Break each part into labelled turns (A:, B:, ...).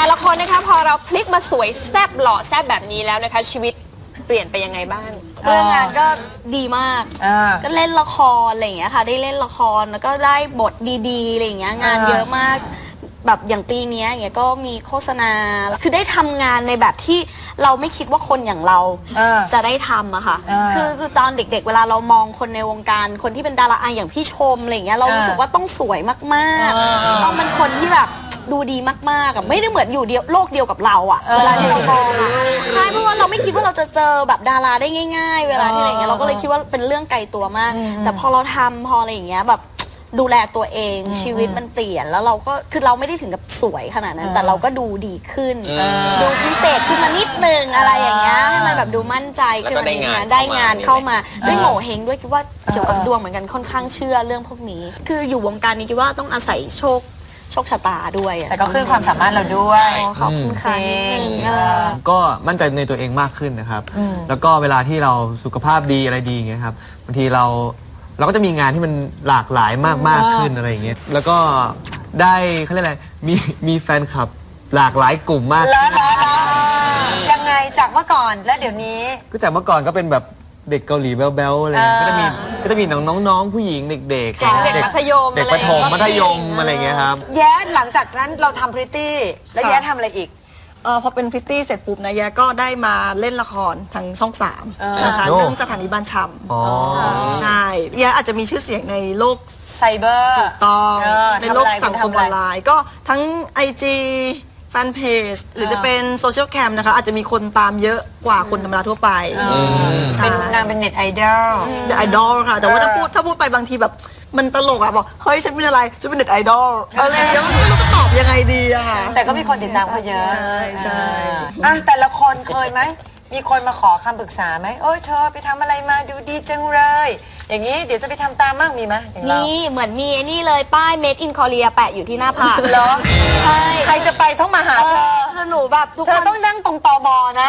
A: แต่ละคนนะคะพอเราพลิกมาสวยแซ่บหล่อแซ่บแบบนี้แล้วนะคะชีวิตเปลี่ยนไปยังไงบ้าง
B: เรื่องงานก็ดีมากก็เล่นละครอะไรอย่างเงี้ยค่ะได้เล่นละครแล้วก็ได้บทดีๆอะไรอย่างเงี้ยงานเยอะมากแบบอย่างปีนี้อย่างเงี้ยก็มีโฆษณาคือได้ทำงานในแบบที่เราไม่คิดว่าคนอย่างเราจะได้ทำอะค่ะคือตอนเด็กๆเวลาเรามองคนในวงการคนที่เป็นดาราอย่างพี่ชมอะไรอย่างเงี้ยเรารู้สึกว่าต้องสวยมากๆต้องเป็นคนที่แบบดูดีมากๆไม่ได้เหมือนอยู่โลกเดียวกับเราอะเวลาที่เรามองอะใช่เพราะว่าเราไม่คิดว่าเราจะเจอแบบดาราได้ง่ายๆเวลาที่อะไรอย่างเงี้ยเราก็เลยคิดว่าเป็นเรื่องไกลตัวมากแต่พอเราทำพออะไรอย่างเงี้ยแบบดูแลตัวเองชีวิตมันเปลี่ยนแล้วเราก็คือเราไม่ได้ถึงกับสวยขนาดนั้นแต่เราก็ดูดีขึ้นดูพิเศษขึ้นมานิดนึงอะไรอย่างเงี้ยให้มันแบบดูมั่นใจขึ้นมาได้งานเข้ามาด้วยโง่เฮงด้วยคิดว่าเกี่ยวกับดวงเหมือนกันค่อนข้างเชื่อเรื่องพวกนี้คืออยู่วงการนี้คิดว่าต้องอาศัยโชคชะตาด้วย
C: แต่ก็คือความสามารถเราด้วย
B: ขอบคุณค่ะ
D: ก็มั่นใจในตัวเองมากขึ้นนะครับแล้วก็เวลาที่เราสุขภาพดีอะไรดีอย่างเงี้ยครับบางทีเราก็จะมีงานที่มันหลากหลายมากขึ้นอะไรอย่างเงี้ยแล้วก็ได้เขาเรียกอะไรมีแฟนคลับหลากหลายกลุ่มมาก
C: แล้วยังไงจากเมื่อก่อนและเดี๋ยวนี้
D: ก็จากเมื่อก่อนก็เป็นแบบเด็กเกาหลีแบ๊วๆอะไรก็จะมีน้องผู้หญิงเด็กๆเด็ก
A: มัธยม
D: เด็กประถมมัธยมอะไรอย่างเงี้ยครับ
C: แย้หลังจากนั้นเราทำพริตตี้แล้วแย้ทำอะไรอีก
E: พอเป็นพริตตี้เสร็จปุ๊บนะแย้ก็ได้มาเล่นละครทางช่อง3นะคะเรื่องสถานีบ้านชำใช่แย้อาจจะมีชื่อเสียงในโลก
C: ไซเบอร์
E: ถูกต้องในโลกสังคมออนไลน์ก็ทั้ง IG แฟนเพจหรือจะเป็นโซเชียลแคมนะคะอาจจะมีคนตามเยอะกว่าคนธรรมดาทั่วไป
C: เป็นนางเป็นเน็ตไอดอล
E: ค่ะแต่ว่าถ้าพูดไปบางทีแบบมันตลกอะบอกเฮ้ยฉันเป็นอะไรฉันเป็นเน็ตไอดอลอะไรแล้วไม่รู้จะตอบยังไงดีอะค่ะ
C: แต่ก็มีคนติดตามเขาเยอะ
E: ใช่
C: แต่ละคนเคยไหมมีคนมาขอคำปรึกษาไหมโอ้ยเธอไปทำอะไรมาดูดีจังเลยอย่างนี้เดี๋ยวจะไปทำตามบ้างมีไหม
B: มีเหมือนมีนี่เลยป้าย Made in Korea แปะอยู่ที่หน้าผาก
C: เหรอ
B: ใช่
C: ใครจะไปต้องมาหาเธอ
B: คือหนูแบบทุกคน
C: เธอต้องนั่งตรงตบนะ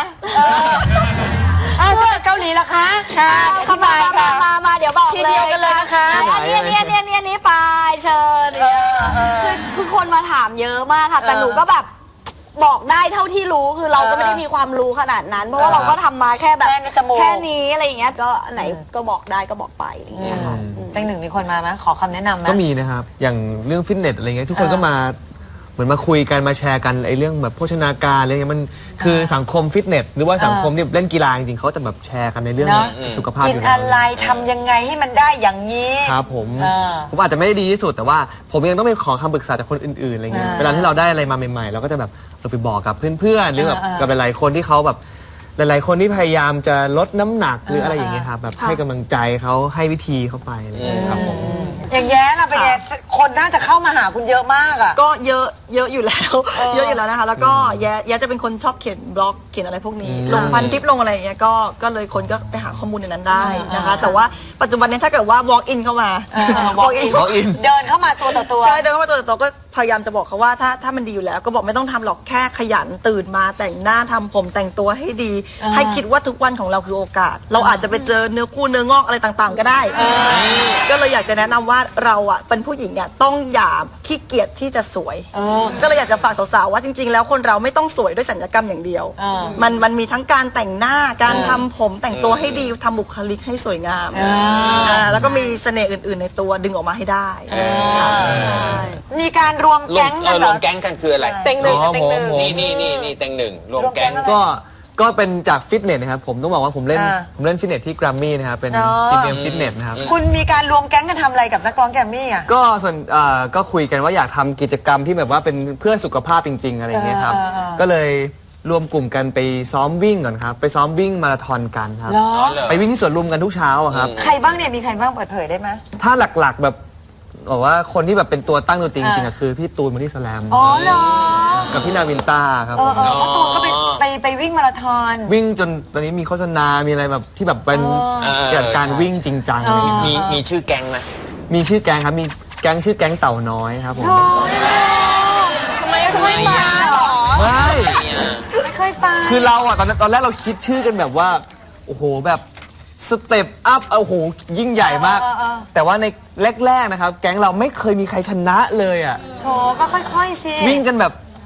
C: จะไปเกาหลีล่ะคะ
B: ค่ะเข้ามาเดี๋ยวบอกเลย
C: ทีเดียวกันเลยนะคะ
B: อันนี้ไปเชิญคือคนมาถามเยอะมากค่ะแต่หนูก็แบบบอกได้เท่าที่รู้คือเราก็ไม่ได้มีความรู้ขนาดนั้นเพราะว่าเราก็ทำมาแค่แบบแค่นี้อะไรอย่างเงี้ยก็ไหนก็บอกได้ก็บอกไปอะไรอย่างเงี้ยค่ะ
C: ตั้งหนึ่งมีคนมาไหมขอคำแนะนำไหม
D: ก็มีนะครับอย่างเรื่องฟิตเนสอะไรเงี้ยทุกคนก็มาเหมือนมาคุยกันมาแชร์กันไอ้เรื่องแบบโภชนาการอะไรเงี้ยมันคือสังคมฟิตเนสหรือว่าสังคมที่เล่นกีฬาจริงๆเขาจะแบบแชร์กันในเรื่องสุขภาพ
C: กินอะไรทำยังไงให้มันได้อย่างนี้
D: ครับผมอาจจะไม่ได้ดีที่สุดแต่ว่าผมยังต้องไปขอคำปรึกษาจากคนอื่นๆอะไรเงี้ยเวลาที่เราได้อะไรมาใหม่ๆเราก็จะแบบเราไปบอกกับเพื่อนๆหรือกับหลายๆคนที่เขาแบบหลายๆคนที่พยายามจะลดน้ำหนักหรืออะไรอย่างเงี้ยครับแบบให้กำลังใจเขาให้วิธีเขาไปอะไรอย่างเงี้ยครับผม
C: อย่างแย้ล่ะเป็นไงคนน่าจะเข้ามาหาคุณเยอะมากอ่ะ
E: ก็เยอะอยู่แล้วเยอะอยู่แล้วนะคะแล้วก็แย้จะเป็นคนชอบเขียนบล็อกเขียนอะไรพวกนี้ลงพันทิปลงอะไรอย่างเงี้ยก็เลยคนก็ไปหาข้อมูลในนั้นได้นะคะแต่ว่าปัจจุบันนี้ถ้าเกิดว่า walk in เข้ามา
C: walk in เดินเข้ามาตัวต่อตัว
E: ใช่เดินเข้ามาตัวต่อตัวก็พยายามจะบอกเขาว่าถ้ามันดีอยู่แล้วก็บอกไม่ต้องทำหรอกแค่ขยันตื่นมาแต่งหน้าทำผมแต่งตัวให้ดีให้คิดว่าทุกวันของเราคือโอกาสเราอาจจะไปเจอเนื้อคู่เนื้องอกอะไรต่างๆก็ได้ก็เลยอยากจะแนะนำว่าเราอ่ะเป็นผู้หญิงอ่ะต้องอย่าขี้เกียจที่จะสวยก็เลยอยากจะฝากสาวๆว่าจริงๆแล้วคนเราไม่ต้องสวยด้วยศัลยกรรมอย่างเดียวมันมีทั้งการแต่งหน้าการทำผมแต่งตัวให้ดีทำบุคลิกให้สวยงามแล้วก็มีเสน่ห์อื่นๆในตัวดึงออกมาให้ได้
C: มีการรวมแก๊งกันเหรอ
F: รวมแก๊งกันคืออะไร
A: เต็งหนึ่ง
F: นี่เต็งหนึ่งรวมแก๊ง
D: ก็เป็นจากฟิตเนสนะครับผมต้องบอกว่าผมเล่นฟิตเนสที่แกรมมี่นะครับเป็นจีเอ็มฟิตเนสนะครับ
C: คุณมีการรวมแก๊งกันทำอะไรกับนักร้องแกรมมี่อ่ะ
D: ก็ส่วนก็คุยกันว่าอยากทำกิจกรรมที่แบบว่าเป็นเพื่อสุขภาพจริงๆอะไรอย่างเงี้ยครับก็เลยรวมกลุ่มกันไปซ้อมวิ่งก่อนครับไปซ้อมวิ่งมาราธอนกันครับไปวิ่งที่สวนลุมกันทุกเช้าครับ
C: ใครบ้างเนี่ยมีใครบ้างเปิดเผยได้ไหม
D: ถ้าหลักๆแบบบอกว่าคนที่แบบเป็นตัวตั้งตัวจริงๆคือพี่ตูนบอดี้สแลม
C: อ๋อเหรอ
D: กับพี่นาวินต้าครับ
C: ตูนก็ไปวิ่งมาราธอน
D: วิ่งจนตอนนี้มีโฆษณามีอะไรแบบที่แบบเป็นเกี่ยวกับการวิ่งจริงจัง
F: มีชื่อแก๊งไหม
D: มีชื่อแก๊งครับมีแก๊งชื่อแก๊งเต่าน้อยครับผม
C: ทำไมไม่มาหรอไม่เคยไป
D: คือเราอ่ะตอนแรกเราคิดชื่อกันแบบว่าโอ้โหแบบสเต็ปอัพโอ้โหยิ่งใหญ่มากแต่ว่าในแรกๆนะครับแก๊งเราไม่เคยมีใครชนะเลยอ่ะ
C: โถก็ค่อยๆสิ
D: วิ่งกันแบบ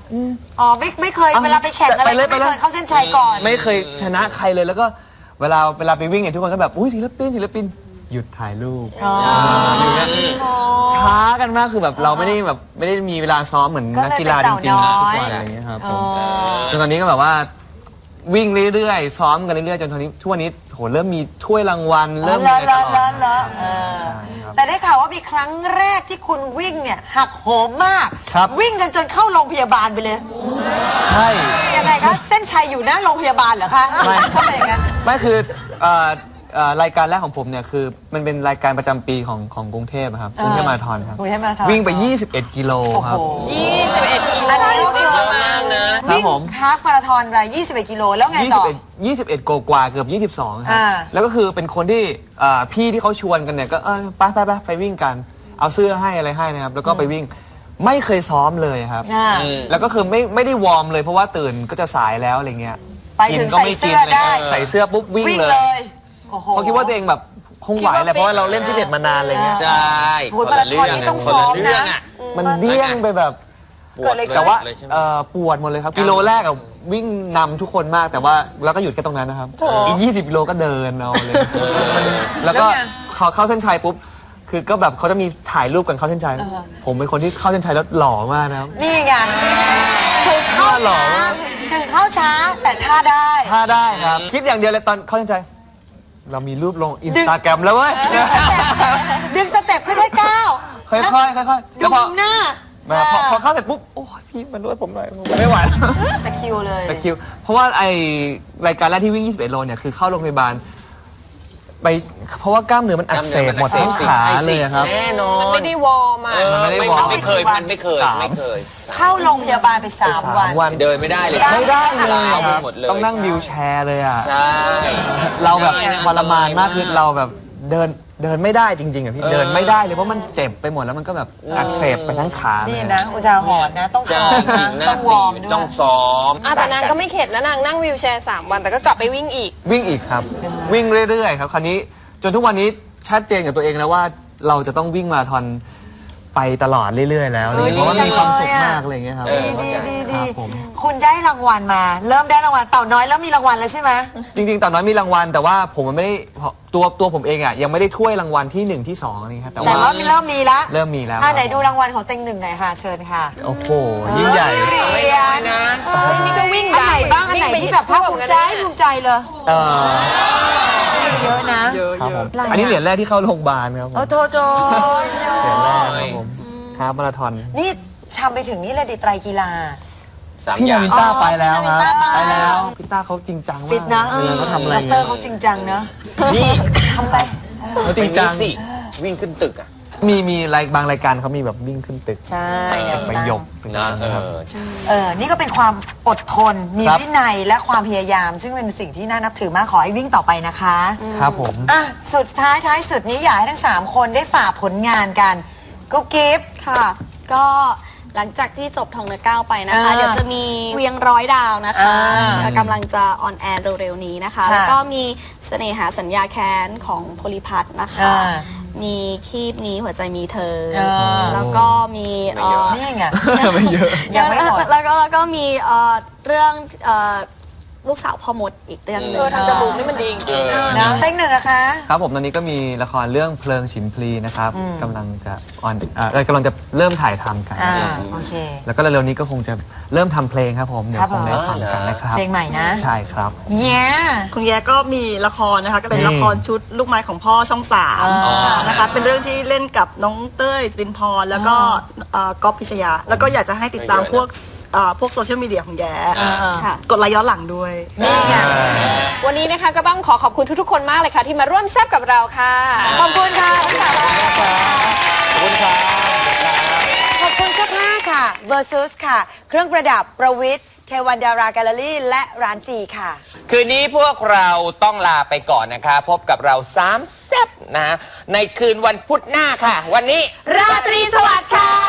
C: อ๋อไม่เคยเวลาไปแข่งอะไรไม่เคยเข้าเส้นชัยก่อน
D: ไม่เคยชนะใครเลยแล้วก็เวลาไปวิ่งเนี่ยทุกคนก็แบบอุ้ยศิลปินหยุดถ่ายรูปอยู่เนี่ยช้ากันมากคือแบบเราไม่ได้มีเวลาซ้อมเหมือนนักกีฬาจริงๆทุกวันอะไรอย่างเงี้ยครับผมจนตอนนี้ก็แบบว่าวิ่งเรื่อยๆซ้อมกันเรื่อยๆจนตอนนี้ทุกวันนี้โหเริ่มมีถ้วยรางวัลเริ่มมีอะไรตลอด
C: แต่ได้ข่าวว่ามีครั้งแรกที่คุณวิ่งเนี่ยหักโหมมาก
D: ครับ
C: วิ่งกันจนเข้าโรงพยาบาลไปเลย
D: ใช่
C: ยังไงคะเส้นชัยอยู่หน้าโรงพยาบาลเหรอคะ
D: ไม่
C: ทำไมอย่างนั้น
D: ไม่คือรายการแรกของผมเนี่ยคือมันเป็นรายการประจำปีของกรุงเทพอะครับกรุงเทพมาราธอนครับ
C: กรุงเทพมาราธอน
D: วิ่งไป 21 กิโลครับ
A: 21 กิโล
C: อันนี้ก็คือ
F: เยอะมากนะ
D: ครับ
C: วิ่ง
D: ผม
C: ฮาล์ฟมาราธอนไป21 กิโลแล้วไงต่อ
D: 21กว่าเกือบ22ครับ
C: อ่า
D: แล้วก็คือเป็นคนที่พี่ที่เขาชวนกันเนี่ยก็ไปวิ่งกันเอาเสื้อให้อะไรให้นะครับแล้วก็ไปวิ่งไม่เคยซ้อมเลยครับ
C: อ่า
D: แล้วก็คือไม่ได้วอร์มเลยเพราะว่าตื่นก็จะสายแล้วอะไรเงี้ย
C: ไปถึง
D: ก็ไม่กิน
C: ใส่เสื้อได้
D: ใส่เสื้อปุ๊บวิ่ง
C: วิ่ง
D: เล
C: เลย ยโอ้โห
D: เพราะคิดว่าตัวเองแบบคงไหวแหละเพราะว่าเราเล่นฟิตเนสมานานอะไรเงี้ย
F: ใช่
C: โอ้ยมาราธอนนี่ต้องซ้อมนะ
D: มันเดี้ยงไปแบบ
C: เกิดอะไรขึ้น
D: แต่ว่า
F: เลยใช่ไหม
D: ปวดหมดเลยครับกิโลแรกอะวิ่งนำทุกคนมากแต่ว่าเราก็หยุดแค่ตรงนั้นนะครับอีก20 กิโลก็เดินเอาเลยแล้วก็เข้าเส้นชัยปุ๊บคือก็แบบเขาจะมีถ่ายรูปกันเข้าเส้นชัยผมเป็นคนที่เข้าเส้นชัยแล้วหล่อมากนะครับ
C: นี่ไงถึงเข้าช้าแต่ท่าได้
D: ถ้าได้ครับคิดอย่างเดียวเลยตอนเข้าเส้นชัยเรามีรูปลงอินสตาแกรมแล้วเว้ย
C: ดึงสเต็ปค่อยๆก้าว
D: ค่อยๆค่อยๆ
C: ดูมุมหน้า
D: พอเข้าเสร็จปุ๊บโอ้ยพี่มานวดผมหน่อยผมไม่ไหวแล้ว
C: ตะคริวเลย
D: ตะคริวเพราะว่าไอรายการแรกที่วิ่ง 21 โลเนี่ยคือเข้าโรงพยาบาลไปเพราะว่ากล้ามเนื้อมันอักเสบหมดทั้งขาเลยครับ
F: แน่นอน
A: ไม่ได้วอร์มอ่ะ
D: มันไม่ได้วอร์ม
F: ไม่เคยมันไม่เคย
C: เข้าโรงพยาบาลไป3 วัน
F: เดินไม่ได้เลย
C: ไม่ได้เลย
F: เอาหมดเลย
D: ต้องนั่งวิวแชร์เลยอ่ะ
F: ใช่
D: เราแบบ
F: ได้นะ
D: ทรมานมาก
F: อันตรายมาก
D: คือเราแบบเดินไม่ได้จริงๆอ่ะพี่เดินไม่ได้เลยเพราะมันเจ็บไปหมดแล้วมันก็แบบอักเสบไปทั้งขาเลย
C: นี่นะ อุทาหรณ์นะ ต้อง
F: ใช่
C: ซ้อม
F: จริ
C: นะ
F: งหน้า
C: ต้องว
F: ตี
C: อร์มด้ว
F: ต้อย งซ้อม
A: แต่นางก็ไม่เข็ดนะนางนั่งวีลแชร์3 วันแต่ก็กลับไปวิ่งอีก
D: วิ่งอีกครับ วิ่งเรื่อยๆครับคราวนี้จนทุกวันนี้ชัดเจนกับตัวเองแล้วว่าเราจะต้องวิ่งมาราธอนไปตลอดเรื่อยๆแล้วอะไรเงี้ยเพราะว่ามีความสุขมากอะไรเงี้ยครับ
C: ดี
D: ครับผม
C: คุณได้รางวัลมา เริ่มได้รางวัลเต่าน้อยแล้วมีรางวัลแล้วใช่ไหม
D: จริงๆตอนนั้นมีรางวัลแต่ว่าผมมันไม่ได้ตัวผมเองอ่ะยังไม่ได้ถ้วยรางวัลที่1ที่2นี่ครับแต่
C: แต่
D: ว่า
C: ว่าเริ่มมีละ
D: เริ่มมีแล้ว
C: ไหนดูรางวัลของเต็งหนึ่งหน่อยค่ะ เชิญค่ะ
D: โอ้โหยิ่งใหญ่
C: เหรียญ
F: นะ
A: นี่ก็วิ่ง
C: อันไหนบ้างอันไหนที่แบบภาคภูมิใจเลย
D: เออ
C: เยอะนะ
D: ครับผม
C: อะไรอ่ะ
D: อันนี้เหรียญแรกที่เข้าโรงพยาบาลครับผม
C: โอ้โถโถ
D: เหรียญแรกครับผมฮาล์ฟมาราธอน
C: นี่ทำไปถึงนี่เลยดิไตรกีฬา
F: 3
D: พี่
F: อย่า
D: นาวิ
F: ง
D: นต้าไปแล้วครับ
B: นาวินต้าไป
D: ไปแล้วพี่ต้าเขาจริงจังมาก
C: ฟิตนะ
D: เขาทำอะไร
C: ด
D: เงี้
C: รเขาจริงจังเนอะ
F: นี่
C: ทำไป
D: เขาจริงจัง
F: สิวิ่งขึ้นตึกอ่ะ
D: มีบางรายการเขามีแบบวิ่งขึ้นตึก
C: ใช่เนี่ย
D: ไปยก
F: นะ
C: นี่ก็เป็นความอดทน มี
D: ครับ
C: วินัยและความพยายาม ซึ่งเป็นสิ่งที่น่านับถือมากขอให้วิ่งต่อไปนะคะ
D: ครับผม
C: อ่ะสุดท้ายสุดนี้อยากให้ทั้ง 3 คนได้ฝากผลงานกันกุ๊กกิ๊บ
B: ค่ะ ก็หลังจากที่จบทองเนื้อก้าวไปนะคะ
C: อ่า
B: เดี๋ยวจะมีเวียงร้อยดาวนะคะ
C: อ่า
B: กำลังจะออนแอร์เร็วๆนี้นะคะ
C: ค่ะ
B: แล้วก็มีเสน่หาสัญญาแค้นของโพลิพัทนะคะ
C: อ่า
B: มีคีบนี้หัวใจมีเธอ
C: อ่า
B: แล้วก็มี
C: นี่ไง
D: ไม่เยอะ
C: ยังไม่หมด
B: แล้วก็มีเรื่องลูกสาวพ่อมดอีกเรื่องหนึง
A: ทำจมูกนี่มันดีจริงๆนะ
C: นะเต็งหนึ่งนะคะ
D: ครับผมตอนนี้ก็มีละครเรื่องเพลิงฉิมพลีนะครับกำลังจะกำลังจะเริ่มถ่ายทำกัน
C: โอเค
D: แล้วก็เร็วๆนี้ก็คงจะเริ่มทำเพลงครับผมเดี๋ยว
C: ครับ
D: คงได้
C: ผม
D: ฟังกันนะครับ
C: เพลงใหม่นะ
D: ใช่ครับ
C: แย่
E: คุณแย่ก็มีละครนะคะก็เป็น
D: นี่
E: ละครชุดลูกไม้ของพ่อช่อง3นะคะเป็นเรื่องที่เล่นกับน้องเต้ยสิรินพรแล้วก็ก๊อฟพิชยา แล้วก็อยากจะให้ติดตามพวกโซเชียลมีเดียของแย่
B: ค่ะ
E: กดไลค์ย้อนหลังด้วย
C: นี่ไง
A: วันนี้นะคะก็ต้องขอบคุณทุกๆคนมากเลยค่ะ ที่มาร่วมแซบกับเราค่ะ
C: ขอบคุณค่ะทั้งสามท่าน
D: ขอบคุณครับ
C: ขอบคุณเสื้อผ้าค่ะ Versus ค่ะ เครื่องประดับประวิทย์เทวันดาราแกลเลอรี่และร้านจีค่ะ
F: คืนนี้พวกเราต้องลาไปก่อนนะคะ พบกับเรา3 แซ่บนะ ในคืนวันพุธหน้าค่ะ วันนี้
C: ราตรีสวัสดิ์ค่ะ